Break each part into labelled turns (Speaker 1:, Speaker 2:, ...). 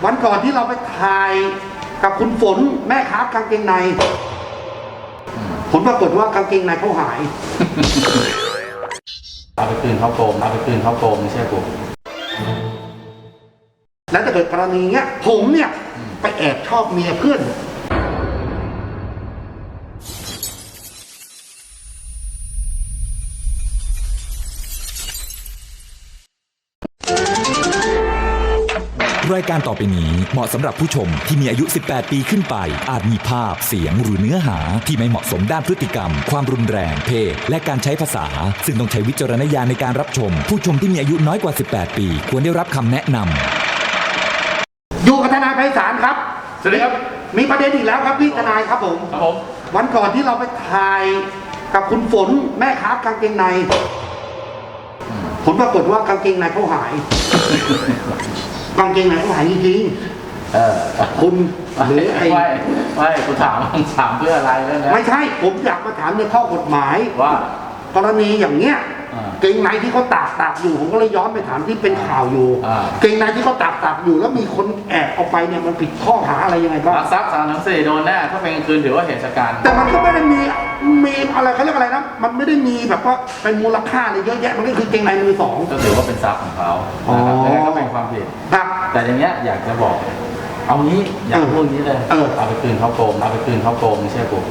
Speaker 1: วันก่อนที่เราไปถ่ายกับคุณฝนแม่ค้ากางเกงในผลปรากฏว่ากางเกงในเขาหาย
Speaker 2: เอาไปคืนเขาโกงไม่ใช่กู
Speaker 1: แล้วถ้าเกิดกรณีเงี้ยผมเนี่ยไปแอบชอบเมียเพื่อน
Speaker 3: รายการต่อไปนี้เหมาะสำหรับผู้ชมที่มีอายุ 18 ปีขึ้นไปอาจมีภาพเสียงหรือเนื้อหาที่ไม่เหมาะสมด้านพฤติกรรมความรุนแรงเพศและการใช้ภาษาซึ่งต้องใช้วิจารณญาณในการรับชมผู้ชมที่มีอายุน้อยกว่า 18 ปีควรได้รับคำแนะนำ
Speaker 1: อยู่กับทนายไพศาลครับ
Speaker 2: สวัสดีครับ
Speaker 1: มีประเด็นอีกแล้วครับพี่ทนายครับผมวันก่อนที่เราไปถ่ายกับคุณฝนแม่ค้ากางเกงในผลปรากฏว่ากางเกงในเขาหายกางเกงในเขาหายจริงๆคุณหรือไอ้
Speaker 2: ไม่กูถามเพื่ออะไรแล้วนะ
Speaker 1: ไม่ใช่ผมอยากมาถามในข้อกฎหมาย
Speaker 2: ว่าก
Speaker 1: รณีอย่างเงี้ยเกงในที่เขาตากอยู่ผมก็เลยย้อนไปถามที่เป็นข่าวอยู่เกงในที่เขาตากอยู่แล้วมีคนแอบเอาไปเนี่ยมันผิดข้อหาอะไรยังไงบ้าง
Speaker 2: ลักทรัพย์3-4โดนแน่ถ้าเป็นกลางคืนถือว่าเหตุการณ์
Speaker 1: แต่มันก็ไม่ได้มีอะไรเขาเรียกอะไรนะมันไม่ได้มีแบบว่าเป็นมูลค่าอะไรเยอะแยะมันก็คือเกงในมือสอง
Speaker 2: ก็ถือว่าเป็นทรัพย์ของเขานะครับก็เป็นความผิดแต่อย่างเงี้ยอยากจะบอกเอางี้อยากพูดนี้เลยเอาไปคืนเขาโกงไม่ใช่กู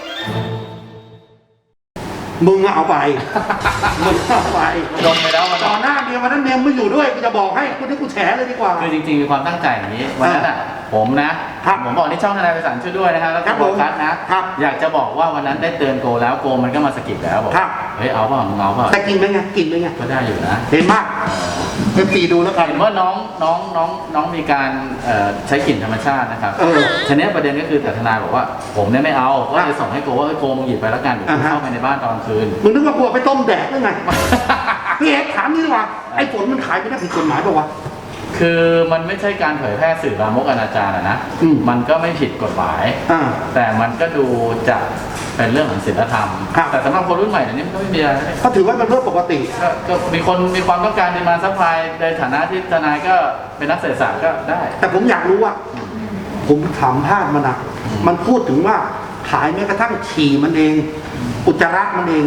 Speaker 1: มึงเอาไปมึงเอาไป
Speaker 2: โดนไปแล้ว
Speaker 1: ต่อหน้าเมียวันนั้นเมียไม่อยู่ด้วยจะบอกให้คุณที่กูแฉเลยดีกว่า
Speaker 2: คือจริงๆมีความตั้งใจอย่างนี้วันนั้นอ่ะผมนะผมบอกที่ช่องทนายไพศาลช่วยด้วยนะครับแล้วก็บอกคัดนะอยากจะบอกว่าวันนั้นได้เตือนโกแล้วโกมันก็มาสกิปแล้วบอกเฮ้ยเอาเปล่ามึงเอาเปล่า
Speaker 1: แต่กินไหมไงกินไหมไง
Speaker 2: ก็ได้อยู่นะ
Speaker 1: เห็นมากตีดูแล้วกัน
Speaker 2: เห็นว่าน้องมีการใช้กลิ่นธรรมชาตินะครับทีนี้ประเด็นก็คือแต่ทนายบอกว่าผมเนี่ยไม่เอาก็จะส่งให้โกว่าโกมึงหยิบไปแล้วกันเดี๋ยวเข้าไปในบ้านตอนคืน
Speaker 1: มึงนึกว่ากลัวไปต้มแดดหรือไงพี่เอกถามนี่ดีกว่าไอ้ฝนมันขายไม่ได้ผิดกฎหมายป่าวะ
Speaker 2: คือมันไม่ใช่การเผยแพร่สื่อลามกอนาจารนะมันก็ไม่ผิดกฎหมายแต่มันก็ดูจะเป็นเรื่องของศีลธรรมแต่สำหรับคนรุ่นใหม่เนี่ยมันก็ไม่มีอะไร
Speaker 1: เขาถือว่าเป็นเรื่องปกติ
Speaker 2: ก็มีคนมีความต้องการในมาซัพพลายในฐานะที่ทนายก็เป็นนักเศรษฐศาสตร์ก็ได้
Speaker 1: แต่ผมอยากรู้ว่าผมถามภาพมันนะมันพูดถึงว่าขายแม้กระทั่งฉี่มันเองอุจจาระมันเอง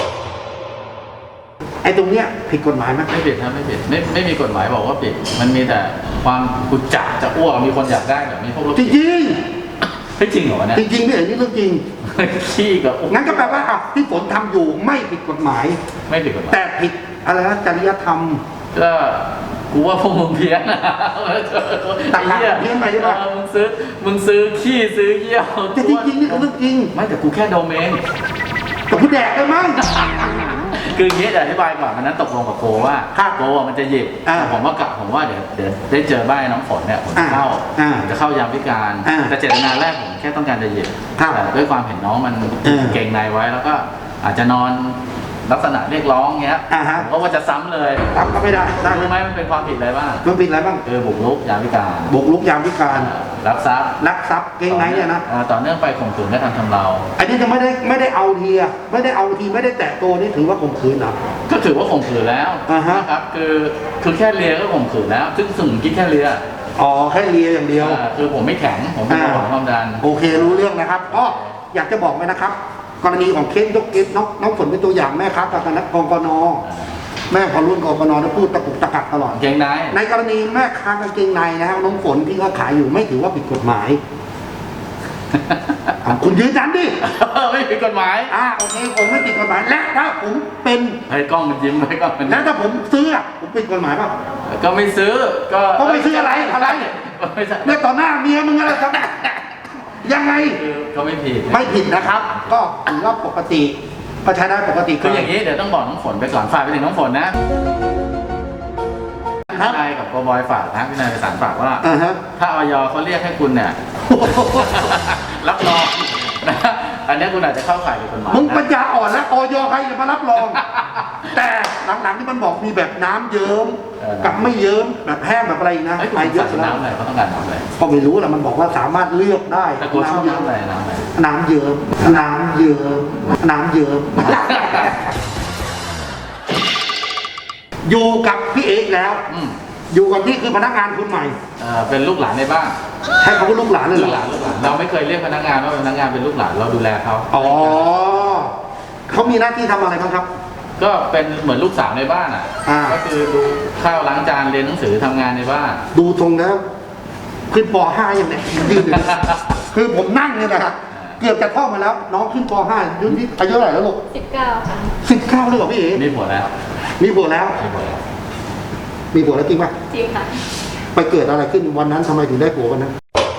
Speaker 1: ไอ้ตรงเนี้ยผิดกฎหมายไหม
Speaker 2: ไม่ผิดนะไม่ผิดไม่มีกฎหมายบอกว่าผิดมันมีแต่ความกุจจะอ้วกมีคนอยากได้แบบมีพวก
Speaker 1: จริงจ
Speaker 2: ริงเหรอเนี่ย
Speaker 1: จริงพี่เอ๋นี่เรื่องจริง
Speaker 2: ขี้กับ
Speaker 1: งั้นก็แปลว่าที่ฝนทำอยู่ไม่ผิดกฎหมาย
Speaker 2: ไม่ผิดกฎหมาย
Speaker 1: แต่ผิดอะไรนะจริยธรรม
Speaker 2: ก็กูว่าพวกมึงเพี้ยนนะ
Speaker 1: ตักเพี้ยนไปใช่ไหม
Speaker 2: มึงซื้อขี้ซื้อเยี่ยว
Speaker 1: แต่จริงนี่คือเรื่องจริง
Speaker 2: ไม่แต่กูแค่โดเมน
Speaker 1: แต่กูแดกเลยมั้ง
Speaker 2: คืออย่างนี้จะอธิบายก่อนมันนั้นตกลงกับโกว่าโกมันจะหยิบผมว่าเดี๋ยวได้เจอบ้านน้องฝนเนี่ยผมจะเข้ายามพิการแต่เจตนาแรกผมแค่ต้องการจะหยิบแต่ด้วยความเห็นน้องมันเก่งในไว้แล้วก็อาจจะนอนลักษณะเรียกร้องเงี้ยผมก็ว่าจะซ้ำเลย
Speaker 1: ซ้ำก็ไม่ได้
Speaker 2: รู้ไหมมันเป็นความผิดอะไรบ้าง
Speaker 1: มันผิดอะไรบ้าง
Speaker 2: บุกรุกยามพิการลักทรัพย์
Speaker 1: เก่งไหนเนี่ยนะ
Speaker 2: ต่อเนื่องไปข่มขืนและทำเรา
Speaker 1: อันนี้จะไม่ได้เอาทีไม่ได้แตะตัวนี่ถือว่าข่มขืนนะ
Speaker 2: ก็ถือว่าข่มขืนแล้วนะครับคือแค่เลียก็ข่มขืนแล้วซึ่งคิดแค่เลีย
Speaker 1: แค่เลียอย่างเดียว
Speaker 2: คือผมไม่แข็งผมไม่หวังความดัน
Speaker 1: โอเครู้เรื่องนะครับก็อยากจะบอกไว้นะครับกรณีของเคสยกเคสน้องฝนเป็นตัวอย่างแม่ครับกับคณะกน.แม่พอรุ่นกน.ได้พูดตะกุกตะกักตลอด
Speaker 2: เกงใน
Speaker 1: ในกรณีแม่ค้ากางเกงในนะครับน้องฝนที่เขาขายอยู่ไม่ถือว่าผิดกฎหมายคุณยืนยันดิ
Speaker 2: ไม่ผิดกฎหมาย
Speaker 1: โอเคผมไม่ผิดกฎหมายและถ้าผมเป็น
Speaker 2: ให้กล้องมันยิ้มให้กล้องมัน
Speaker 1: แล้วถ้าผมซื้อผมผิดกฎหมายป่ะ
Speaker 2: ก็ไม่ซื้อ
Speaker 1: ก็ไม่ซื้ออะไรเนี่ยต่อหน้าเมียมึงอะไรครับยังไง
Speaker 2: ก็ไม่
Speaker 1: ผิดนะครับก็ถือว่าปกติก็ใช้ได้ปกติ
Speaker 2: คืออย่างนี้เดี๋ยวต้องบอกน้องฝนไปก่อนฝากไปถึงน้องฝนนะพี่นายกับโกบอยฝากนะพี่นายไปสารฝากว่าถ้าอย.เขาเรียกให้คุณเนี่ยรับรองนะอันนี้คุณอาจจะเข้าข่ายผิดกฎหมาย
Speaker 1: มึงปัญญาอ่อนแล้วอย.ใครจะมารับรองแต่หลังๆที่มันบอกมีแบบน้ำเยิ้มกับไม่เยิ้มแบบแห้งแบบอะไรนะ
Speaker 2: ไอ้เยอะน้ำอะไรเขาต้องการน้ำอะไร
Speaker 1: ก็ไม่รู้แหละมันบอกว่าสามารถเลือกได้
Speaker 2: แต่กูชอบน้ำอะไร
Speaker 1: น้ำเยิ้มอยู่กับพี่เอกแล้วอยู่กับนี่คือพนักงานคนใหม่
Speaker 2: เป็นลูกหลานในบ้าน
Speaker 1: ใช่เขาก็ลูกหลานเลยเหร
Speaker 2: ลู
Speaker 1: อก
Speaker 2: หลานเราไม่เคยเรียกพนักงานว่าพนักงานเป็นลูกหลานเราดูแลเขา
Speaker 1: อ๋อเขามีหน้าที่ทำอะไรบ้างครับ
Speaker 2: ก็เป็นเหมือนลูกสาวในบ้านอ่ะ ก็คือดูข้าวล้างจานเรียนหนังสือทำงานในบ้าน
Speaker 1: ดูทรงแล้วขึ้นป .5 อย่างเนี้ยยืนอยู่คือผมนั่งเนี่ยนะครับเกือบจะท่องมาแล้ว น้องขึ้นป .5 ยุ่นที่อายุเท่าไหร่แล้วลูก
Speaker 4: 19 ค่ะ
Speaker 1: 19เลยเหรอพี่เอ๋
Speaker 2: มีผัวแล้ว
Speaker 1: มีผัวแล้ว
Speaker 2: มีผัวแล้ว
Speaker 1: มีผัวแล้วจริงป่ะ
Speaker 4: จริงค่ะ
Speaker 1: ไปเกิดอะไรขึ้นวันนั้นทำไมถึงได้ผัววันนั้น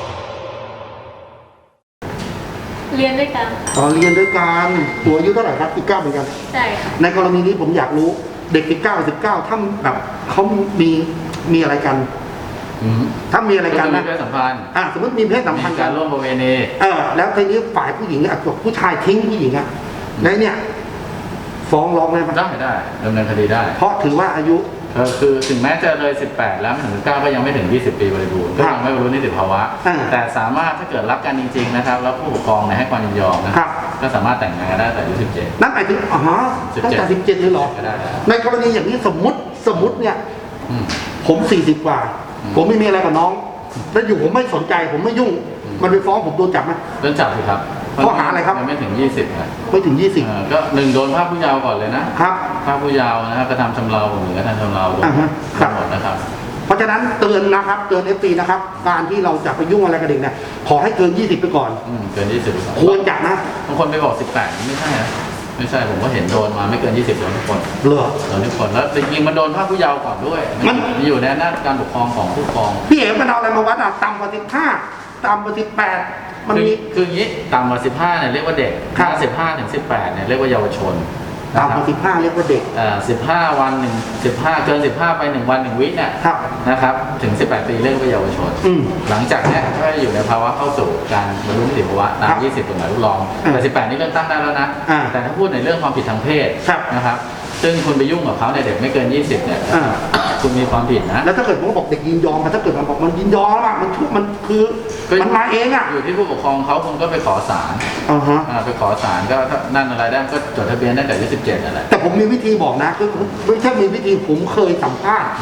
Speaker 4: เรียนด้วยกันค่ะ
Speaker 1: อ๋อเรียนด้วยกันตัวอายุเท่าไหร่ครับ19เหมือนกัน
Speaker 4: ใช่ค่ะ
Speaker 1: ในกรณีนี้ผมอยากรู้เด็ก19ถ้าแบบเขามีอะไรกัน ถ้ามีอะไรกัน
Speaker 2: มี
Speaker 1: นะ
Speaker 2: เพศสัมพันธ์
Speaker 1: สมมติมีเพศสัมพันธ์
Speaker 2: มีการร่วมประเวณี
Speaker 1: แล้วทีนี้ฝ่ายผู้หญิงผู้ชายทิ้งผู้หญิงแล้วเนี่ยฟ้องร้องได้ไหม
Speaker 2: ได้ดำเนินคดีได้
Speaker 1: เพราะถือว่าอายุ
Speaker 2: คือถึงแม้จะเลย 18 แล้วไม่ถึง19ก็ยังไม่ถึง 20 ปีบริบูรณ์ก็ยังไม่บรรลุนิติภาวะ แต่สามารถถ้าเกิดรับกันจริงๆนะครับแล้วผู้ปกครองให้ความยินยอมนะครับก็สามารถแต่งงานกันได้แต่อายุ17
Speaker 1: นั่นหมายถึงตั้งแต่17เลยเหรอ
Speaker 2: ก็ได้แล้ว
Speaker 1: ในกรณีอย่างนี้สมมติเนี่ยผม40กว่า ผมไม่มีอะไรกับน้อง แล้วอยู่ผมไม่สนใจผมไม่ยุ่ง มันไปฟ้องผมโดนจับไหม
Speaker 2: โดนจับสิครับ
Speaker 1: ข้อหาอะไรครับ
Speaker 2: ยังไม่ถึง 20นะ
Speaker 1: ไม่ถึง
Speaker 2: ก็1โดนภาคผู้เยาว์ก่อนเลยนะครับ ภาคผู้เยาว์นะครับกระทำชำเราหรือกระทำชำเราโดน
Speaker 1: ครับ
Speaker 2: หมดนะครับ
Speaker 1: เพราะฉะนั้นเตือนนะครับเตือน FC นะครับการที่เราจะไปยุ่งอะไรกับเด็กเนี่ยขอให้เกิน20ไปก่อน
Speaker 2: เกิน 20ดีกว่า
Speaker 1: ควรจะนะ
Speaker 2: บางคนไปบอก 18ไม่ใช่นะไม่ใช่ผมก็เห็นโดนมาไม่เกิน 20โดนทุกคน
Speaker 1: เหรอ
Speaker 2: โดนทุกคนแล้วจริงๆมันโดนภาคผู้เยาว์ก่อนด้วย
Speaker 1: มัน
Speaker 2: อยู่ในอำนาจการปกครองของผู้ปกครอง
Speaker 1: พี่เอ๋มันเอาอะไรมาวัดต่ำกว่า15ต่ำกว่า18มันมี
Speaker 2: คืออย่างนี้ต่ำกว่า15เนี่ยเรียกว่าเด็ก
Speaker 1: ครับ
Speaker 2: ถ้า15ถึง18เนี่ยเรียกว่าเยาวชน
Speaker 1: ต่ำกว่า15เรียกว่าเด็ก
Speaker 2: 15 วัน15เกิน15ไป1วัน1วิเนี่ย
Speaker 1: ครับ
Speaker 2: นะครับถึง18 ปีเรียกว่าเยาวชน หลังจากเนี้ยก็อยู่ในภาวะเข้าสู่การบรรลุนิติภาวะตาม 20กฎหมายลูกรองแต่18นี่เริ่มตั้งได้แล้วนะ แต่ถ้าพูดในเรื่องความผิดทางเพศ
Speaker 1: ครับ
Speaker 2: นะครับซึ่งคุณไปยุ่งกับเขาในยเด็กไม่เกิน 20เนี่ยคุณมีความผิดนะ
Speaker 1: แล้วถ้าเกิดผมบอกเด็กยินยอมถ้าเกิดมันบอกมันยินยอมมันคือมันมาเอง
Speaker 2: อยู่ที่ผู้ปกครองเขาคุณก็ไปขอศาลไปขอศาลก็นั่นอะไรได้ก็จดทะเบียนได้แต่อายุ17นั่นแหละ
Speaker 1: แต่ผมมีวิธีบอกนะคือไม่ใช่มีวิธีผมเคยสัมภาษณ์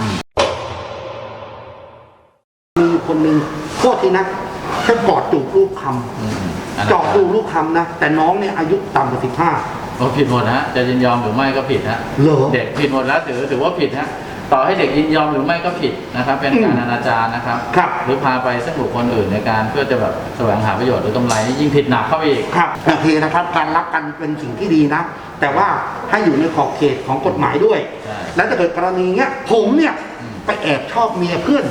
Speaker 1: มีคนหนึ่งโทษทีนะแค่กอดจูบรูปคำจอดดูรูปคำนะแต่น้องเนี่ยอายุต่ำกว่า15
Speaker 2: ผิดหมดนะจะยินยอมหรือไม่ก็ผิดนะเด็กผิดหมดแล้วถือว่าผิดนะต่อให้เด็กยินยอมหรือไม่ก็ผิดนะครับเป็นการอนาจารนะครับหรือพาไปซึ่งบุคคลอื่นในการเพื่อจะแบบแสวงหาประโยชน์หรือกำไรยิ่งผิดหนักเข้าไปอีก
Speaker 1: ครับโอเคนะครับการรักกันเป็นสิ่งที่ดีนะแต่ว่าให้อยู่ในขอบเขตของกฎหมายด้วยแล้วถ้าเกิดกรณีเงี้ยผมเนี่ยไปแอบชอบเมียเพื่อน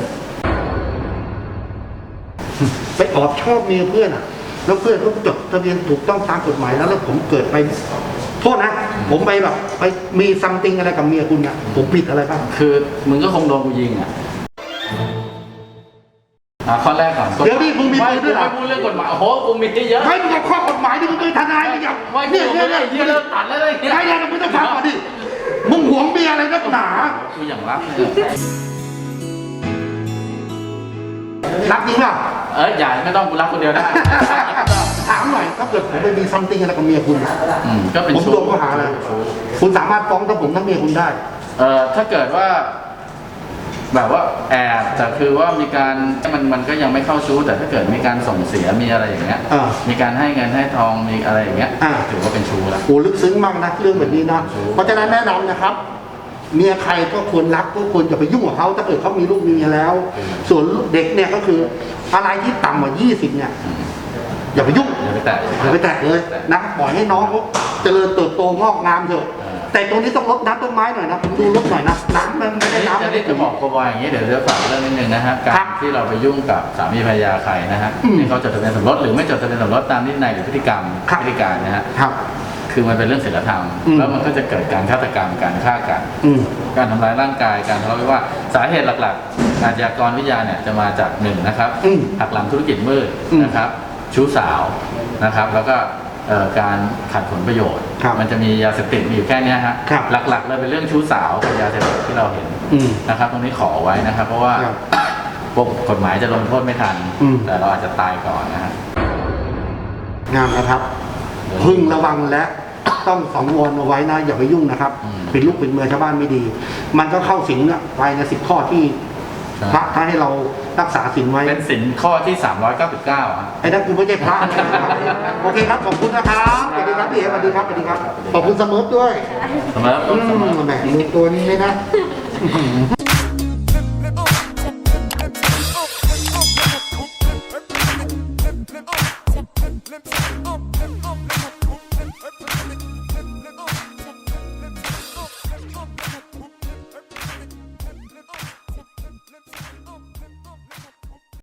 Speaker 1: ไปแอบชอบเมียเพื่อนแล้วเพื่อนก็จดทะเบียนถูกต้องตามกฎหมายแล้วผมเกิดไปโทษนะผมไปแบบไปมีซัมติงอะไรกับเมียคุณเนี่ยผมผิดอะไรบ้าง
Speaker 2: คือมึงก็คงโดนกูยิงข้อแรกก่อน
Speaker 1: เดี๋ยวนี้มึงมีปืนด้วยเหรอ
Speaker 2: ไม่พูดเรื่องกฎหมายโอ้โหกูมีเยอะ
Speaker 1: ไม่มึงกับข้อกฎหมายที่มึงเป็นทนายมึงอย่าง
Speaker 2: เนี่ยเริ่มตัดแล้วเลย
Speaker 1: ไม่ได้มึงต้องฟังก่อนดิมึงหวงเมียอะไรนักหนา
Speaker 2: กูอย่างรัก
Speaker 1: รักจริงป่ะ
Speaker 2: อย่าไม่ต้องกูรักคนเดียวได้
Speaker 1: ถามหน่อยถ้าเกิดผมไปมีซัมติงอะไรกับเมียคุณ
Speaker 2: ก็เป็น
Speaker 1: ผมโดนข้อหาอะไรคุณสามารถฟ้องทั้งผมทั้งเมียคุณได้
Speaker 2: ถ้าเกิดว่าแบบว่าแอบแต่คือว่ามีการมันก็ยังไม่เข้าชู้แต่ถ้าเกิดมีการส่งเสียมีอะไรอย่างเงี้ยมีการให้เงินให้ทองมีอะไรอย่างเงี้ยถือว่าเป็นชู้แล้ว
Speaker 1: โอ้ลึกซึ้งมากนะเรื่องแบบนี้นะเพราะฉะนั้นแนะนำนะครับเมียใครก็ควรรักก็ควรจะไปยุ่งกับเขาถ้าเกิดเขามีลูกมีเมียแล้วส่วนเด็กเนี่ยก็คืออะไรที่ต่ำกว่า20เนี่ยอย่าไปยุ่ง
Speaker 2: อย่าไปแตะ
Speaker 1: เลยนะปล่อยให้น้องเขาเจริญเติบโตงอกงามเถอะแต่ตรงนี้ต้องรดน้ำต้นไม้หน่อยนะผมดูรดหน่อยนะน้ำมันไม่ได้น้ำ
Speaker 2: จะบอกเขาว่าอย่างนี้เดี๋ยวฝากเรื่องนิดนึงนะฮะการที่เราไปยุ่งกับสามีภรรยาใครนะฮะที่เขาจดทะเบียนสมรสหรือไม่จดทะเบียนสมรสตามนิตินัยหรือพฤติกรรมพฤติการนะฮะคือมันเป็นเรื่องศีลธรรมแล้วมันก็จะเกิดการฆาตกรรมการฆ่ากันการทำร้ายร่างกายการทะเลาะวิวาทสาเหตุหลักๆอาชญากรวิทยาเนี่ยจะมาจาก1นะครับหักหลังธุรกิจมืดนะครับชู้สาวนะครับแล้วก็การขัดผลประโยชน์มันจะมียาเสพติดมีอยู่แค่นี้ฮะหลักๆเลยเป็นเรื่องชู้สาวกับยาเสพติดที่เราเห็นนะครับตรงนี้ขอไว้นะครับเพราะว่าพวกกฎหมายจะลงโทษไม่ทันแต่เราอาจจะตายก่อนนะฮะ
Speaker 1: งามนะครับพึงระวังและต้องสังวรเอาไว้นะอย่าไปยุ่งนะครับเป็นลูกเป็นเมียชาวบ้านไม่ดีมันก็เข้าสิงไปใน10 ข้อที่พระให้เรารักษาศีลไว้
Speaker 2: เป็นศีลข้อที่399อ่ะ
Speaker 1: ไอ้นั่นกูไม่ใช่พระโอเคครับขอบคุณนะครับสวัสดีครับพี่เอ๋สวัสดีครับสวัสดีครับขอบคุณเสมอด้วย
Speaker 2: เสมอ
Speaker 1: แหมตัวนี้เลยนะ